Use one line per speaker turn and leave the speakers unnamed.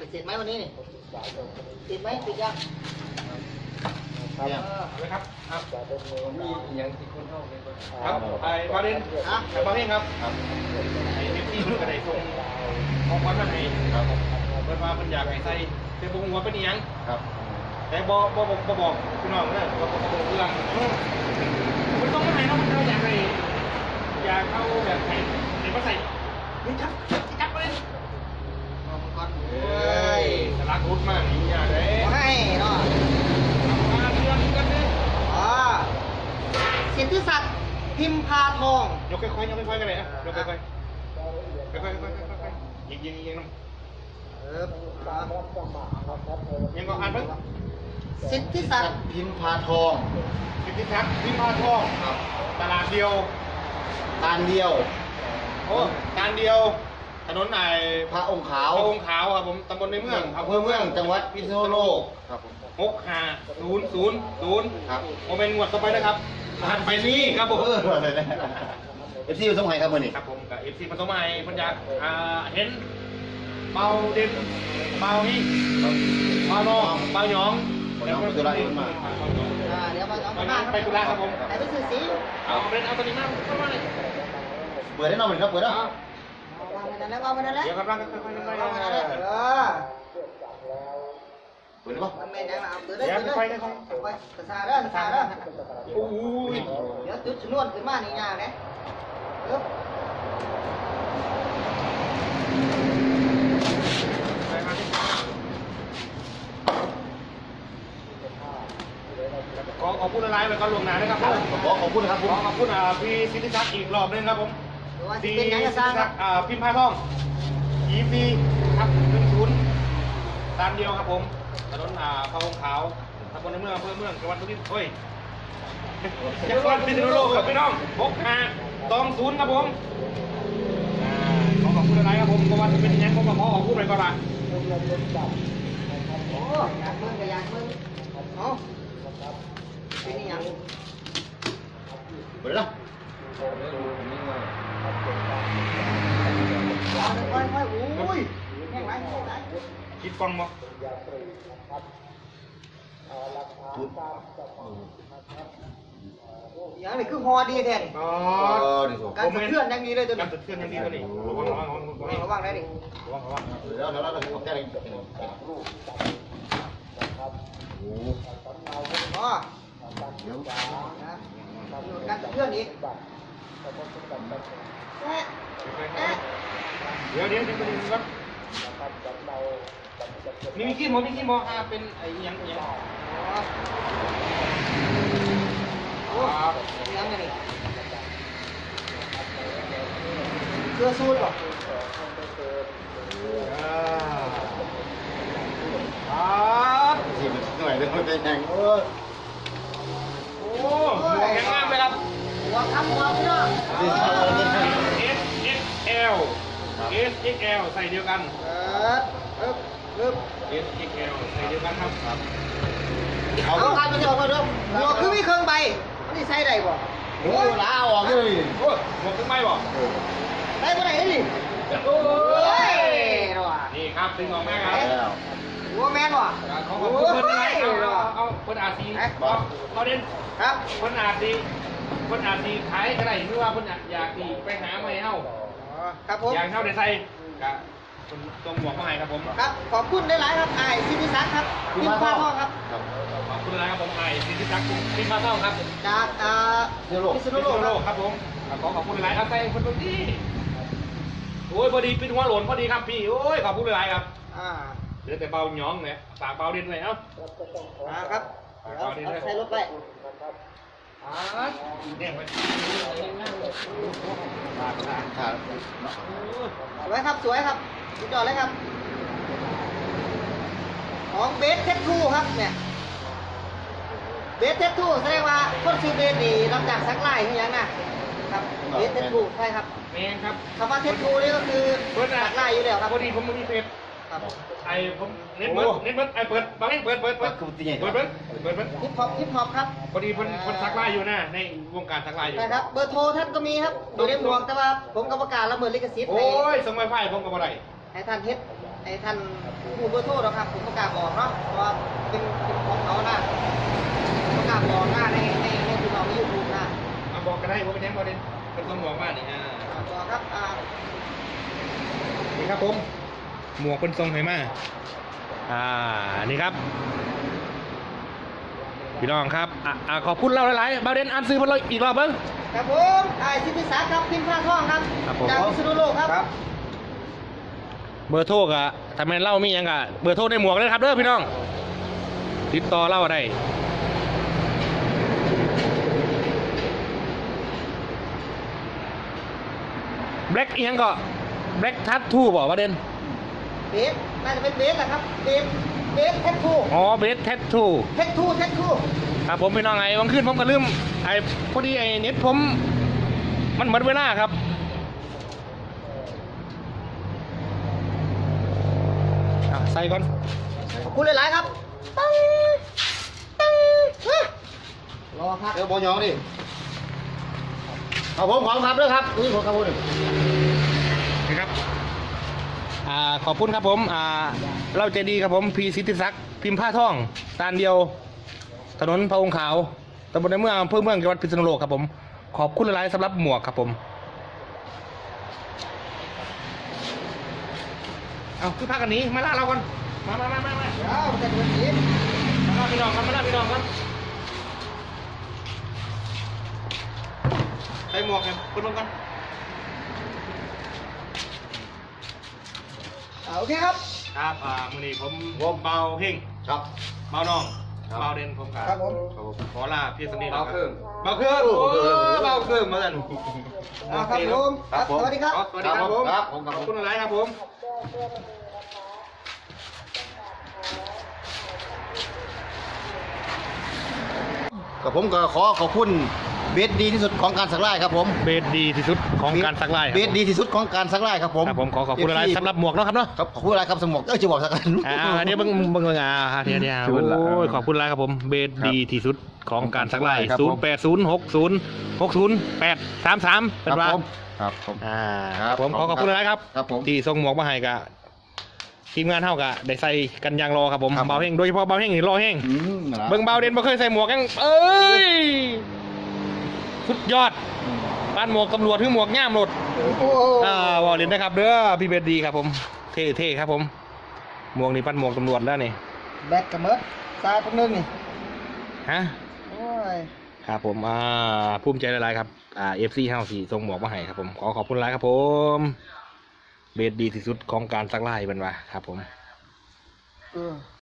เสร็จไหมวันนี้นี่ติดไหมติดยัง
เลยครับมีอย่างที่คนเข้าไปครับไอ้บาเดนไอ้บาเดนครับไอ้เอฟซีมันกระไดส่งของขวัญมาให้เปิดมาเป็นอยากให้ใส่แต่บุ้งว่าเป็นยังแต่บอกพี่น้องเนี่ยบอกเรื่องมันต้องมาให้เราอยากให้อยากเอาแบบไหนเดี๋ยวมาใส่นี่จับไปเลยเฮ้ยสลักรุดมากนี่อย่างไร
ให้เนาะ
มาเรื่องกันเลย
สิทธิศักดิ์พิมพาทอง
ยกค่อยๆกันเลยนะยกค่อยๆยิงน้ำยังก็อ่านเพิ่ง
สิทธิศักดิ์
พิมพาทอง
สิทธิศักดิ์พิมพาทองตลาดเดียว
ตานเดียว
โอ้ตานเดียวถนนไหน
พระองค์ขาว
ครับผมตำบลในเมือง
อำเภอเมืองจังหวัดพิษณุโลก
ครับผม6500ครับโมเป็นงวดต่อไปนะครับหันไปนี่ครับผม
FC ผสมไห้ครับมื้อนี้
ครับผมกับ FC ผสมไห้เพิ่นอยากเห็นเบาเด่นเบานี่เบาน้องเบาหยอง
เดี๋ยวตุลามา
เดี๋ยว
มาไปตุลาครับผม
ไปซื้อสี
เอาตัวนี้มาเข้ามาเลย
เปิดได้นอนเหมือนครับเปิดแล้ว
วางไปนั่นแล้ว
เดี๋ยวกำลังค่อยๆ
เปิดได้ปะ
มันไม่ได้เอาเปิดได้ไปกระซาเด้อ
โอ้ย
เดี๋ยวจุดชนวนขึ้นมานี่ยากเลย
ขอพูดอะไรไปก่อนลวงหน้านะครับ
ขอบคุณครับ
ขอบคุณพี่สิทธิศักดิ์อีกรอบนึงครับผม
พี่สิทธิศักดิ์
พิมพ์พาทองEPครับ10ตามเดียวครับผมถนนพระองค์ขาวตำบลในเมืองอำเภอเมืองจังหวัดสุรินทร์จังหวัดพิษณุโลกครับพี่น้อง6520ครับผมขอบคุณอะไรครับผมเพราะว่าจะเป็นยังผมก็ขอพูดไปก่อนละ
โอ้อยากมึงเอาเป็นยัง
เปิดแล้ว
อุ้ยแห้งไร
คิดฟังมั้ง
อย่างนี้คือฮอดีแท้การสะเทือนยังดีเลยตัวนี้
การสะเทือนยังดีตัวนี้
ระวังได้ดิ
แล้วแก้อะไร
อ๋อการสะเทือนอีก
เดี๋ยวครับมีขี้หมอเป็นไอ้ยัง
โอ้ยังไงนี่เสื้อสูทหรอ
ที่มันหน่อยเรื่องมันเป็นยัง
โอ้หมวกแข็งมากเลยครับ
หัวคำหัวพี่น้อง
SXL ใส่เดียวกันSXL ใส่เดียวกันครับ
เอาการไปเที่ยวกันเด้อหัวคือมีเครื่องใบมันนี่ใส่ได้บ่
โอ้ล้าออกเลย
โอ้หมวกเครื่องใบบ่
ได้บ่ได้ดิ
โอ้
ย
นี่ครับดึงออกมาครับ
หัวแมนว่ะ
เขาบอกเพิ่นอะไรเอาคนอาซีเขาเด่น
ครับ
คนอาซีขายก็ได้หรือว่าคนอยากดีไปหาไม่เฮา
ครับผม
อย่างเฮาได้ใส่กับคนตรงหมวกมาให้ครับผม
ครับขอบคุณหลายๆครับไอ้สิทธิศักดิ์ครับพิมพ์พาทองครับ
ขอบคุณหลายครับผมไอ้สิทธิศักดิ์พิมพ์พาทองครับ
จาก
พิษณุโลกครับผมขอบคุณหลายครับใส่คนตรงนี้โอ้ยพอดีปิดหัวหล่นพอดีครับพี่โอ้ยขอบคุณหลายครับเหลือแต่เบาหยองเนี่ยฝากเบาเด่นเลยเอ้า
ครับใส่รถไป
เนี่ยไป
สวยครับสุดยอดเลยครับของเบสเทสทูครับเนี่ยเบสเทสทูแสดงว่าคนชื่อเบสนี่รับจากสักไล่ที่ยังนะครับเบสเทสทูใช่ครับ
แมนครับ
คำว่าเทสทูนี่ก็คือสักไล่อยู่แล้วครับ
พอดีผมมีเฟซไอ้ผมเน็ตเบิร์ดไอ้เปิดบางทีเปิด
ฮิปฮอปครับ
พอดีคนสักไล่อยู่นะในวงการสักไล่อยู่
ใช่ครับเบอร์โทรท่านก็มีครับอยู่ในหมวกแต่ว่าผมกรรมการละเมิดลิขสิทธิ์
โอ้ยส่งไวไฟผมกับอะไร
ให้ท่านเฮ็ดไอ้ท่านผู้เบอร์โทรหรอกครับผมประกล้าศบอกเนาะเพราะว่าเป็นของเขานะประกล้าศบอกหน้าในพี่น้องในยูทูบนะ
บอกกันได้ว่าเป็นยังประเด็นเป็นต้องบอกว่านี่
บอกครับ
นี่ครับผมหมวกเป็นทรงไหมานี่ครับพี่น้องครับขอบคุณเราหลายๆประเด็นอ่านซื้อมาเลยอีกรอบเบิ้ง
ครับผมสิทธิศักดิ์ครับพิมพ์ผ้าท่องครับจากพิษณุโลกครับ
เบอร์โทรกะทำไมเล่ามียังกะเบอร์โทรในหมวกเลยครับเด้อพี่น้องติดต่อเล่าได้แบล็กยังก็แบล็กทัตทูบอกประเด็น
เบสน่าจะเป็นเบสแหละครับเบสแท็กทู
อ๋อเบสแท็กทูครับผมพี่น้องไงวันขึ้นผมก็ลืมไอ้พอดีไอ้เน็ตผมมันหมดเวลาครับใส่ก่อน
ขอบคุณหลายๆครับตั้งรอครับ
เดี๋ยวบอยองดิเอาผมของครับด้วยครับนี่ผมครับผม
นี่ครับขอบคุณครับผมเราใจดีครับผมพีสิทธิศักดิ์พิมพ์ผ้าท่องตานเดียวถนนพระองค์ขาวตำบลในเมืองอำเภอเมืองจังหวัดพิษณุโลกครับผมขอบคุณหลายๆสำหรับหมวกครับผมเอาคือพักกันนี้มาล่าเราก่อนมา
แต่เดี๋ยวนี้
มาล่าพี่น้องครับใส่หมวกกันคุณลงกัน
โอเคครับ
มื้อนี้ผมเบาเฮง
ครับ
เบาน้องเบาเด่นผม
ครับผม
ขอลาพี่สนิท
เบาเครื่อง
มาสั่น
ครับผมสวัสดีครับ
สวัสดีครับผมขอบคุณหลายครับผม
กับผมก็ขอบคุณเบสดีที่สุดของการสักไล่ครับผม
เบสดีที่สุดของการสักไล่
เบสดีที่สุดของการสักไล่ครับผม
ขอขอบคุณหลายสำหรับหมวกนะครับเนาะ
ครับขอบคุณหลายครับสมองจะบอกสักกัน
เดี๋ยวเบิ่งเดี๋ยวโอ้ยขอบคุณหลายครับผมเบสดีที่สุดของการสักไล่0806060833เป็นว่า
ครับ
ผมขอบคุณหลายครับที่ส่งหมวกมาให้กับทีมงานเท่ากับได้ใส่กันยางรอครับผมเบาเฮงโดยเฉพาะเบาเฮงนี่รอเฮงเบิ่งเบาเด่นบ่เคยใส่หมวกยังสุดยอดบ้านหมวกตำรวจคือหมวกง่ามหลดวอลเลนนะครับเด้อพี่เบสดีครับผมเท่ครับผมหมวกนี่ปั้นหมวกตำรวจแล้วนี่
แบกกระเมิดทรายตรงนึงนี่
ฮะครับผมภูมิใจหลายๆครับFC เฮาสี่ส่งหมวกมาให้ครับผมขอบคุณหลายครับผมเบสดีที่สุดของการซักไล่เป็นว่าครับผม